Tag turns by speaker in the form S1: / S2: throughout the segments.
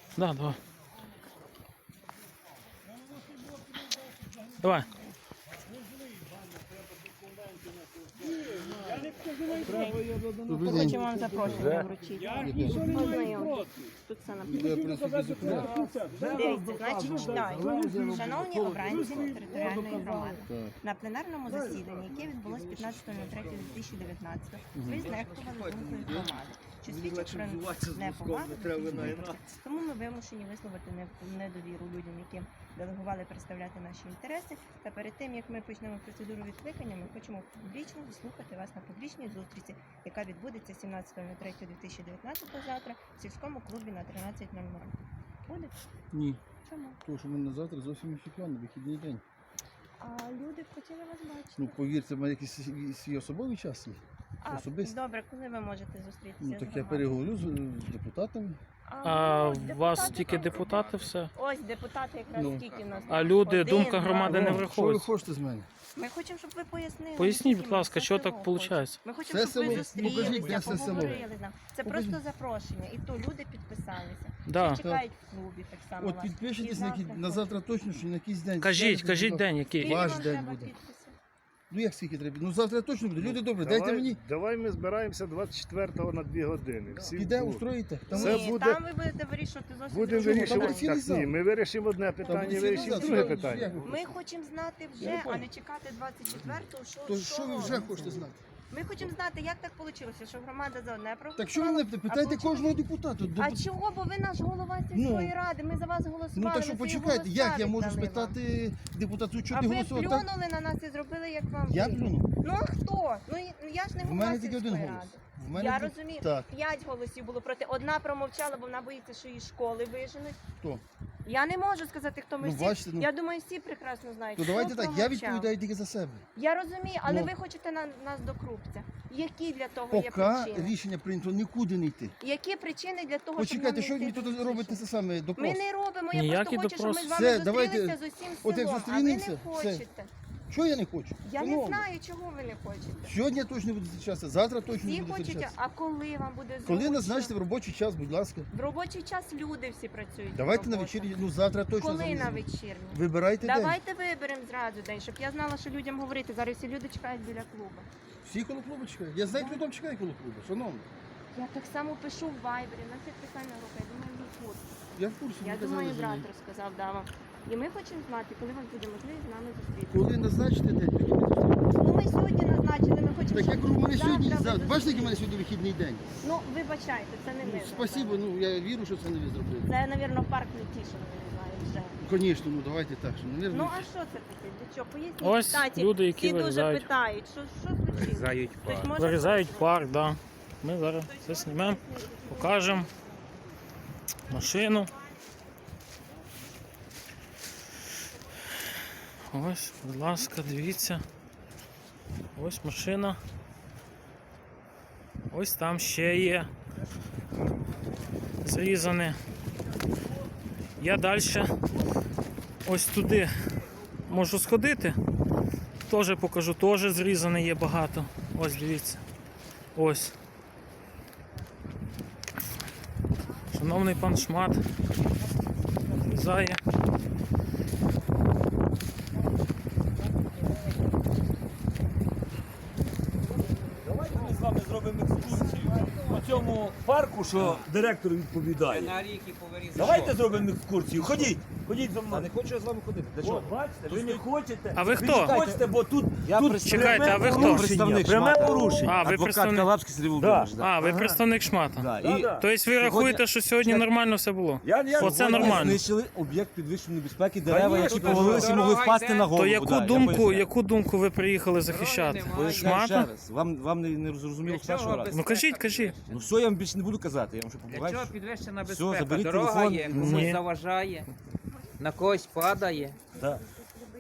S1: Да, давай. Давай.
S2: Ми хочемо вам запрошення вручити. Ознайомтесь. Тут все написано. Дивіться, значить, читаю. Шановні обранці територіальної громади, на пленарному засіданні, яке відбулось 15.03.2019, ви знехтували думкою громади, що свідчить про неповагу до суспільства. Тому ми вимушені висловити недовіру людям, яким делегували представляти наші інтереси. Та перед тим, як ми почнемо процедуру відкликання, ми хочемо публічно заслухати вас на публічній зустрічі, яка відбудеться 17.03.2019 завтра в сільському клубі на 13:00. Буде?
S3: Ні.
S2: Чому?
S3: Тому що в мене завтра зовсім інші плани, вихідний день.
S2: А люди б хотіли вас бачити.
S3: Ну, повірте, в мене якийсь свій особовий час є. Особисто.
S2: Добре, коли ви можете зустрітися?
S3: Ну,
S2: з
S3: так я
S2: громадою?
S3: переговорю з депутатами.
S1: А у вас
S2: депутати
S1: тільки
S2: там
S1: депутати все?
S2: Ось депутати якраз
S3: Ну.
S2: скільки в нас.
S1: А люди,
S2: Один,
S1: думка
S2: два.
S1: громади не
S3: Що ви
S1: враховується.
S3: хочете з мене?
S2: Ми хочемо, щоб ви пояснили.
S1: Поясніть,
S2: скільки
S1: будь ласка,
S2: ми
S1: що
S2: це
S1: так
S2: село хочемо.
S1: виходить?
S2: Ми хочемо,
S3: Це
S2: щоб ви
S3: село. Ну, кажіть, де
S2: зустрілися,
S3: це село?
S2: поговорили з нами. Це
S3: Покажіть.
S2: просто запрошення. І то люди підписалися.
S1: Да.
S2: Ще чекають в клубі так само
S3: От
S2: вас.
S3: підпишитесь
S2: І
S3: на, на завтра точно, що на якийсь день.
S1: Кажіть,
S3: Скажете,
S1: кажіть
S3: будь
S1: день,
S3: ласка.
S1: який.
S2: Скільки
S3: Ваш
S2: вам
S3: день
S2: треба
S3: буде.
S2: підписів?
S3: Ну як скільки треба? Ну завтра точно буде. Люди добре, дайте мені.
S4: Давай ми збираємося 24-го на 2 години. Всі
S3: Піде,
S4: в клуб.
S3: устроїте. Там
S4: Це
S2: Ні,
S4: буде-
S2: там ви будете вирішувати зовсім
S4: Будемо
S2: друге.
S3: вирішувати.
S4: вирішувати.
S3: цілий
S4: Так,
S3: зал.
S4: ні, ми вирішимо одне
S3: буде
S4: питання,
S3: цілий
S4: вирішимо
S3: зал.
S4: друге
S3: Що-
S4: питання.
S3: як ви
S2: Ми хочемо знати
S3: Я
S2: вже,
S3: не
S2: а
S3: понял.
S2: не чекати 24-го,
S3: То
S2: що
S3: що ви вже
S2: робиться.
S3: хочете знати?
S2: Ми хочемо знати, як так вийшло, що громада за одне проголосувала.
S3: Так що ви мене питайте кожного депутата.
S2: А чого? Бо ви наш голова сільської ради, ми за вас голосували.
S3: Ну так що
S2: ви свої
S3: почекайте,
S2: голоса
S3: як я можу
S2: віддали вам.
S3: спитати депутату, що
S2: А
S3: ти
S2: ви
S3: голосував так?
S2: плюнули на нас і зробили, як вам
S3: Я
S2: вигідно.
S3: плюнув.
S2: Ну а хто? Ну я ж не
S3: В
S2: голова
S3: мене тільки один
S2: сільської
S3: голос.
S2: ради.
S3: В мене
S2: Я
S3: тільки-
S2: розумію,
S3: Так,
S2: 5 голосів було проти. Одна промовчала, бо вона боїться, що її з школи виженуть.
S3: хто?
S2: Я не можу сказати, хто ми
S3: Ну,
S2: всі.
S3: бачите, ну.
S2: Я думаю, всі прекрасно знають.
S3: То
S2: хто
S3: давайте так, я
S2: промовчав.
S3: відповідаю тільки за себе.
S2: Я розумію, але
S3: Ну.
S2: ви хочете нас до крупця. Які для того є
S3: Поки
S2: причини?
S3: рішення прийнято, нікуди не йти.
S2: Які причини для того,
S3: Почекайте, що
S2: щоб
S3: ви
S2: нам
S3: мені
S2: не йти
S3: тут робите
S2: зустрічі?
S3: це саме допрос?
S2: Ми не робимо, я
S1: Ніякий
S2: просто хочу, щоб ми
S1: допрос.
S2: з вами
S3: Все, давайте,
S2: зустрілися з усім
S3: от як
S2: селом, а ви не
S3: зустрінемося, все.
S2: хочете.
S3: Що я не хочу?
S2: Я не
S3: Шановні,
S2: знаю, чого ви не хочете.
S3: Сьогодні я точно буду зустрічатися, завтра точно
S2: Всі
S3: буду
S2: хочуть,
S3: зустрічатися.
S2: а коли вам буде зручно?
S3: Коли назначите в робочий час, будь ласка.
S2: В робочий час люди всі працюють.
S3: Давайте на
S2: роботу.
S3: вечірній, ну завтра точно
S2: Коли на
S3: заліземо.
S2: вечірню?
S3: Вибирайте день.
S2: Давайте виберемо зразу день, щоб я знала, що людям говорити. Зараз всі люди чекають біля клубу.
S3: Всі коло клубу чекають. Я знаю, хто там чекає коло клубу, шановні.
S2: Я так само пишу в Вайбері, на це питання рука, я думаю, він в курсі.
S3: Я в курсі.
S2: Я
S3: ви казали
S2: думаю,
S3: за
S2: брат
S3: неї.
S2: розказав, да вам. І ми хочемо знати, коли вам буде можливість з нами зустрітися.
S3: Коли назначите день, тоді ми зустрінемося.
S2: Ну ми сьогодні назначили, ми хочемо,
S3: Так я
S2: щоб
S3: кажу, у мене сьогодні,
S2: завтра ви
S3: бачите, який у мене
S2: зустрілися.
S3: сьогодні вихідний день?
S2: Ну, вибачайте, це не ми.
S3: Спасибо,
S2: зробили.
S3: ну я вірю, що це не ви зробили.
S2: Це, мабуть, парк Нетішин, не знаю, вже.
S3: Звісно, ну давайте так, що,
S2: Ну,
S3: навірно.
S2: а що це таке? Для чого? Поясніть.
S1: Ось
S2: Кстати,
S1: люди, які
S2: всі дуже
S1: вирізають.
S2: питають, що случилось?
S4: Вирізають
S2: Хтось може
S1: Вирізають
S2: пояснити?
S1: парк, да. Ми зараз все знімемо, покажемо машину. Ось, будь ласка, дивіться. Ось машина. Ось там ще є зрізане. Я далі ось туди можу сходити. Теж покажу, теж зрізане є багато. Ось дивіться. Ось. Шановний пан Шмат зрізає.
S5: Давайте ми з вами зробимо екскурсію по цьому парку, що директор відповідає.
S6: На рік і повирізати.
S5: Давайте зробимо екскурсію. Ходіть, ходіть за
S6: Я
S5: мною.
S6: не хочу я з вами ходити. Для
S5: О,
S6: чого?
S5: бачите, ви не хочете.
S1: А ви
S5: не
S1: хто?
S5: хочете, бо тут, тут
S1: Чекайте,
S5: пряме
S1: а ви хто?
S5: порушення,
S6: Представник
S5: пряме
S6: Шмата.
S5: порушення.
S1: А, ви
S6: Адвокат
S1: представник.
S6: Калабський Сергій Володимирович. Да.
S1: А, ви представник Шмата.
S6: Да.
S5: Да,
S6: І
S5: да.
S1: Тобто ви рахуєте, що сьогодні нормально все було?
S5: Я
S1: Оце
S5: сьогодні
S1: нормально.
S6: знищили об'єкт підвищеної безпеки, дерева,
S5: Конечно,
S6: які
S5: то
S6: повалилися і
S5: дорога
S6: могли впасти
S2: йде.
S6: на голову.
S1: То
S6: Да,
S1: яку думку ви приїхали захищати?
S6: Пояснюю ще
S1: Шмата?
S6: раз. Вам не зрозуміло з першого разу.
S1: Ну кажіть, кажіть.
S6: Ну все, я вам більше не буду казати, я вам ще
S7: Для
S6: побуваю.
S7: чого підвищена
S6: Все,
S7: безпека?
S6: заберіть
S7: Дорога
S6: телефон.
S7: є,
S1: Ні.
S7: комусь заважає, на когось падає.
S5: Да.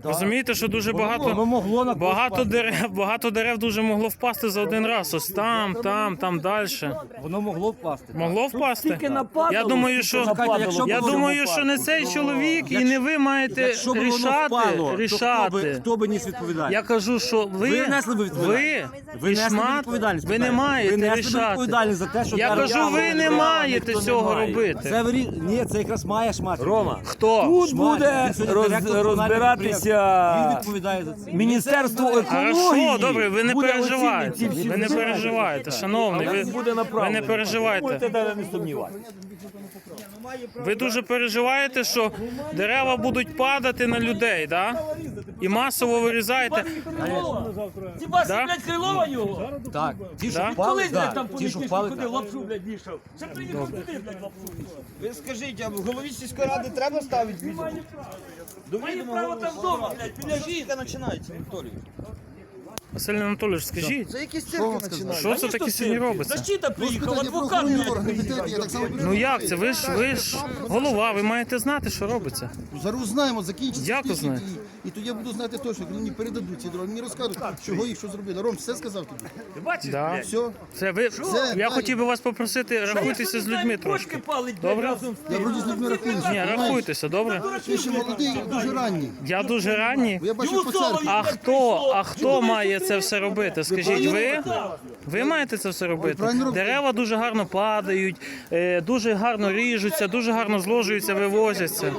S1: Розумієте, що дуже
S6: Воно
S1: багато,
S6: могло на когось
S1: багато дерев дуже могло впасти за один раз. Ось там далі.
S6: Воно могло впасти.
S1: Могло впасти?
S5: Тільки нападало.
S1: Я думаю, що
S6: Чекайте, якщо б
S1: я
S6: воно
S1: думаю,
S6: впало,
S1: що не цей чоловік і не ви маєте
S6: Якщо б воно впало, то
S1: рішати.
S6: хто би ніс відповідальність?
S1: Я кажу, що
S6: Ви несли б відповідальність. Ви несли б
S1: Пішмат,
S6: відповідальність.
S1: ви не
S6: питаю.
S1: маєте
S6: Ви несли б
S1: рішати.
S6: відповідальність за те, що
S1: Я
S6: зараз-
S1: кажу, ви не маєте цього робити.
S6: Це ні, це якраз має шмат.
S5: Рома,
S1: Хто?
S5: тут
S6: Шмат.
S5: буде
S6: Він сьогодні директор комунального підприємства. Він
S5: розбиратися
S6: відповідає за це.
S5: Міністерство
S1: Хорошо,
S5: екології.
S1: добре, ви не
S5: Буде
S1: переживайте.
S5: оцінювати ці всі
S1: Ви не
S5: питання.
S1: переживайте, шановний.
S5: Він буде
S1: Ви
S5: направлений.
S1: не переживайте.
S5: Будете навіть не сумніватися.
S1: Ви дуже переживаєте, що дерева будуть падати на людей, да? І масово вирізаєте.
S5: Ці ваші,
S1: Да?
S5: блядь, Крилова його.
S6: Так, ті, що
S1: Да?
S6: впали,
S5: Колись, блядь,
S6: так,
S5: там
S6: ті, що
S5: політичні
S6: впали,
S5: ходив,
S6: так.
S5: лапшу, блядь, вішав. Ще приїхав туди, блядь, лапшу вішав.
S7: Ви скажіть, а в голові сільської ради треба ставити відео?
S5: Має право там вдома, блядь, біля жінки.
S7: починається, Анатолій.
S1: Василь Анатолійович, скажіть,
S7: Це якісь цирки починаються.
S1: що це таке сьогодні робиться?
S5: Защита приїхав,
S3: Питання про
S5: адвокат,
S3: охоронні
S5: блядь.
S3: органи, підтримки, я так само
S1: Ну як це? Ви ж голова, ви маєте знати, що робиться.
S3: зараз знаємо, закінчиться
S1: Як
S3: список,
S1: знаєте?
S3: і тоді я буду знати точно, коли мені передадуть ці дороги, мені розкажуть, чого їх що зробили. Ром, все сказав тобі?
S5: Ти бачиш,
S1: Да.
S5: блядь?
S3: Все,
S1: Це ви. Я
S3: далі.
S1: хотів би вас попросити, рахуйтеся з людьми трошки.
S5: Бочки палить, блядь,
S1: Добре?
S5: разом з
S3: я вроді з людьми рахуюся.
S1: Ні, рахуйтеся, добре?
S3: Ти ще молодий, дуже ранній.
S1: Я дуже ранній.
S3: Бо я бачу
S5: Йому
S3: по
S5: слово
S3: церкві.
S1: А хто має це все робити? Скажіть, ви? Ви маєте це все робити?
S3: правильно робите.
S1: Дерева дуже гарно падають, дуже гарно ріжуться, дуже гарно зложуються, вивозяться.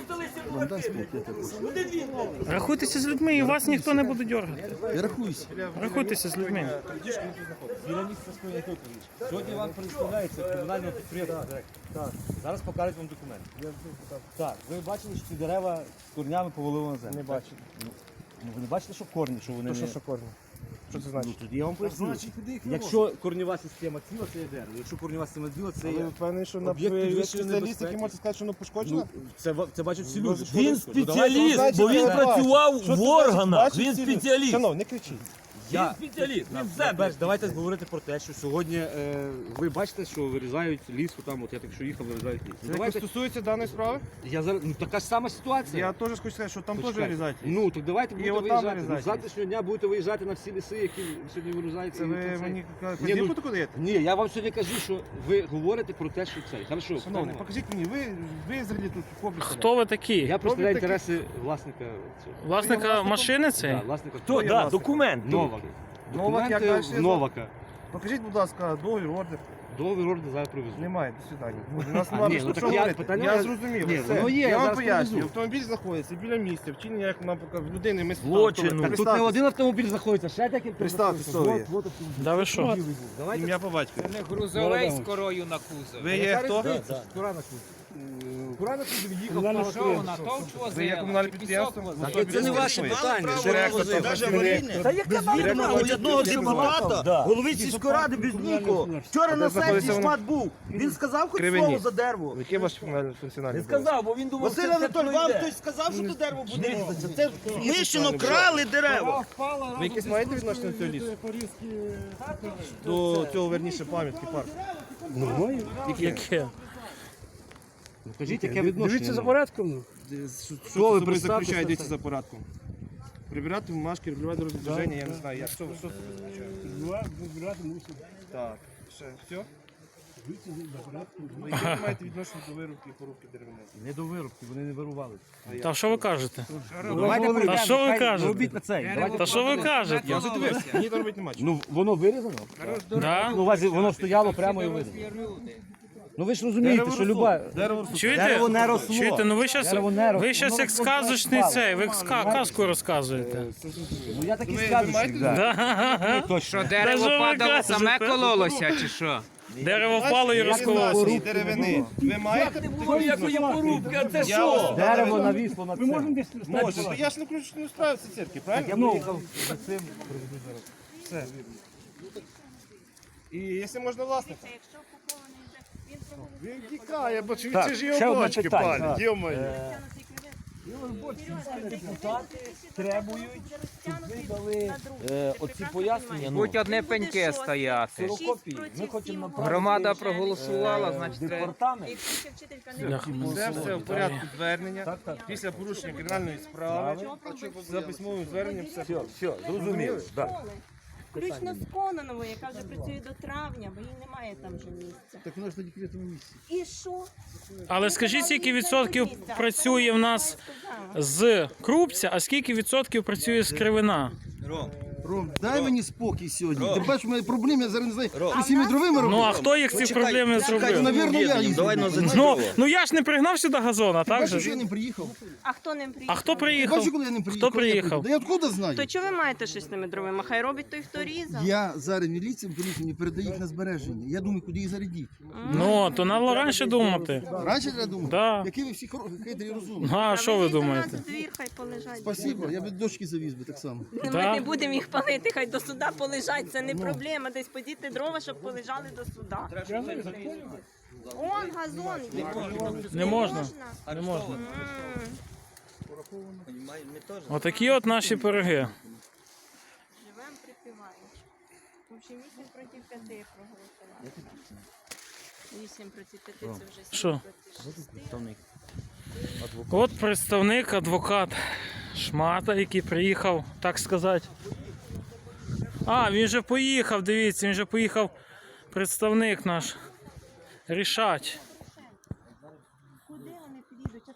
S1: Рахуйтеся з людьми, і вас ніхто не буде дергати.
S3: Я рахуюся.
S1: Рахуйтеся з людьми.
S6: Біля місця скоєння доповідь. Сьогодні вам представляється комунального підприємства. Так. Зараз покажуть вам документ. Так, ви бачили, що ці дерева з корнями повалили на землю? Не бачили. Ну, ви не бачите, що корні, що вони не...
S4: Що корні? Що це значить?
S6: Ну, тоді я вам поясню. Якщо корнєва система ціла, це є дерево. Якщо корнєва система ціла, це
S4: Ви
S6: є...
S4: впевнений, що на
S6: Об'єкт підвищеної
S4: спеціаліст,
S6: небезпеки.
S4: який може сказати, що воно пошкоджено?
S6: Ну, це бачать всі люди.
S5: Він
S6: Ну, давайте,
S5: спеціаліст, бо він
S4: Що це
S5: працював
S4: значить? Що
S5: в
S4: це значить?
S5: органах.
S4: Бачить
S5: Він
S4: всі люди?
S5: спеціаліст.
S4: Шановні, не кричіть.
S5: Він спеціаліст, він в землі.
S6: Перш, давайте говорити про те, що сьогодні ви бачите, що вирізають ліс, там, от я так що їхав, вирізають ліс. Ну, давайте,
S4: стосується даної справи,
S6: я зараз, ну така ж сама ситуація.
S4: я теж хочу сказати, що там теж
S6: Почекайте.
S4: вирізають.
S6: Ну, так давайте будете
S4: отам
S6: виїжджати.
S4: вирізають.
S6: З завтрашнього дня будете виїжджати на всі ліси, які сьогодні вирізаються.
S4: Це
S6: і
S4: ви
S6: це-
S4: мені
S6: Ні,
S4: вказівку
S6: ну,
S4: таку даєте?
S6: Ні, я вам сьогодні кажу, що ви говорите про те, що це. Хорошо,
S4: Шановні,
S6: хто?
S4: покажіть мені, ви взагалі тут комплекс.
S1: Хто ви такі?
S6: Я представляю
S4: такі-
S6: інтереси власника цього.
S1: Власника машини цієї?
S6: Да, власника.
S5: Хто? Да, документ.
S6: Новак.
S4: Новак, як
S6: Документи
S4: далі?
S6: Новака.
S4: Покажіть, будь ласка, договір, ордер.
S6: Договір ордер зараз привезу.
S4: Немає, до свидання. У нас
S6: А,
S4: немає
S6: ні,
S4: про
S6: ну
S4: що
S6: так я-
S4: говорити.
S6: питання-
S4: Я зрозумів.
S6: Ні,
S4: все.
S6: воно є, я
S4: Я вам
S6: зараз
S4: пояснюю.
S6: привезу.
S4: Автомобіль знаходиться біля місця, вчинення, як нам показав, людини, ми
S5: Злочину.
S6: Так тут не один автомобіль знаходиться, ще декілька.
S4: Представте, хто ви є.
S1: Да ви що?
S6: Давайте.
S4: Ім'я по батькові.
S8: Грузовий з корою на кузові.
S4: Ви є хто?
S6: Кура на кузові. Кура на кузові їхав.
S8: Що на товч возили?
S4: Ви є комунальне
S8: чи
S4: підприємство?
S8: пісок возили?
S6: Це не ваше питання.
S4: Директор там.
S5: Та яке вам
S7: Одного депутата, голови сільської ради без нікого. Вчора на
S4: знаходиться
S7: сесії
S4: воно?
S7: шмат був. Він сказав хоч
S4: Кривині.
S7: слово за дерево.
S4: Яке ваше функціональне?
S5: Не сказав, бо він думав,
S7: Василь
S5: що це
S7: Анатолійович, вам
S5: пройде.
S7: хтось сказав, що це дерево буде різатися? Це мишено крали дерева.
S4: Ви якесь маєте відношення до цього лісу? До цього, верніше, пам'ятки парку?
S1: Яке?
S6: Кажіть, яке відношення?
S4: Дивіться за порядком. Що
S6: ви
S4: ви
S6: представте
S4: заключаєте,
S6: це?
S4: дивіться за порядком? Прибирати бумажки, регулювати дорожнє движення, я не знаю, як. Що це означає? Так, все? Ви яке маєте відношення до вирубки і порубки деревини?
S6: Не до вирубки, вони не вирували.
S1: Та що ви кажете?
S6: Давайте
S1: Та що ви кажете?
S6: робіть на цей.
S1: Та що ви кажете?
S4: Я вже дивився, мені там робити нема чого.
S6: Ну, воно вирізано?
S1: Да?
S6: Ну, у вас воно стояло прямо і вирізано. Ну ви ж розумієте, що люба...
S1: Чуєте?
S6: Дерево не росло.
S1: Чуєте? Ну ви щас,
S6: Дерево не росло.
S1: ви щас
S6: Воно
S1: як
S6: просто
S1: сказочний
S6: впало.
S1: цей, ви як казку розказуєте.
S6: Ну я так і скажу, що да.
S1: Да.
S6: Точно.
S8: Що дерево
S1: Та що ви
S8: падало, саме
S1: кажете?
S8: кололося, чи що?
S1: Дерево впало і розкололося.
S4: Ці деревини. Ви маєте?
S5: Ой, якої порубки, а це що?
S6: Дерево навісло на це.
S4: Може, то я ж не справився церкви, правильно?
S6: Я приїхав за цим.
S4: Все. І якщо можна власника. Він тікає, бо це ж
S6: ще
S4: його
S6: одне
S4: бочки
S6: питання.
S4: палять, йо-моє.
S5: Депутати требують, щоб ви дали оці пояснення.
S8: Будь одне пеньке стояти.
S5: Ксерокопії. Ми хочемо направити
S8: Громада проголосувала, значить треба.
S5: департамент.
S2: Якщо вчителька не
S4: Це все в порядку звернення.
S5: Так, так.
S4: Після порушення кримінальної справи за письмовим зверненням все.
S5: Все, зрозуміло. Так.
S2: включно з Кононовою, яка вже працює до травня, бо їй немає там вже місця.
S3: Так вона ж на декретному місці.
S2: І що?
S1: Але скажіть, скільки відсотків працює в нас з Крупця, а скільки відсотків працює з Кривина?
S3: Ром, дай мені спокій сьогодні. Ти бачиш, у мене проблеми, я зараз не знаю, що з цими дровими
S1: Ну
S3: робити.
S1: а хто їх ці проблеми зробив?
S3: Навірно, я їх
S1: Ну я ж не пригнав сюди газона, так
S3: Бачиш, що
S1: же?
S3: я не приїхав?
S2: А хто ним приїхав?
S1: А хто приїхав?
S3: Бачиш, коли я не приїхав?
S1: Хто приїхав?
S3: Да я откуда знаю?
S2: То чого ви маєте щось з тими дровами? Хай робить той, хто різав.
S3: Я зараз міліціям мені передаю їх на збереження. Я думаю, куди їх зарядити.
S1: Ну, то треба раніше думати.
S3: Раніше треба думати?
S1: Да.
S3: Які ви всі хитрі і розумні.
S1: А що ви
S2: Везіть до
S1: думаєте?
S2: нас у двір, хай полежать.
S3: Спасибо, я би дочки завіз би так само.
S2: Ми
S1: Да.
S2: не будемо їх палити, хай до суда полежать. Це не проблема. Десь подіти дрова, щоб полежали до суда. Он газон є.
S1: Не можна. Не можна. Отакі от наші пироги.
S2: Живемо припіваючи. В общем, 8 проти 5 проголосували. 8 проти 5 це вже 7
S1: Що?
S2: проти 6.
S1: От представник, адвокат Шмата, який приїхав, так сказати. А, він же поїхав, дивіться, він же поїхав представник наш рішать.
S2: Куди вони підійдуть?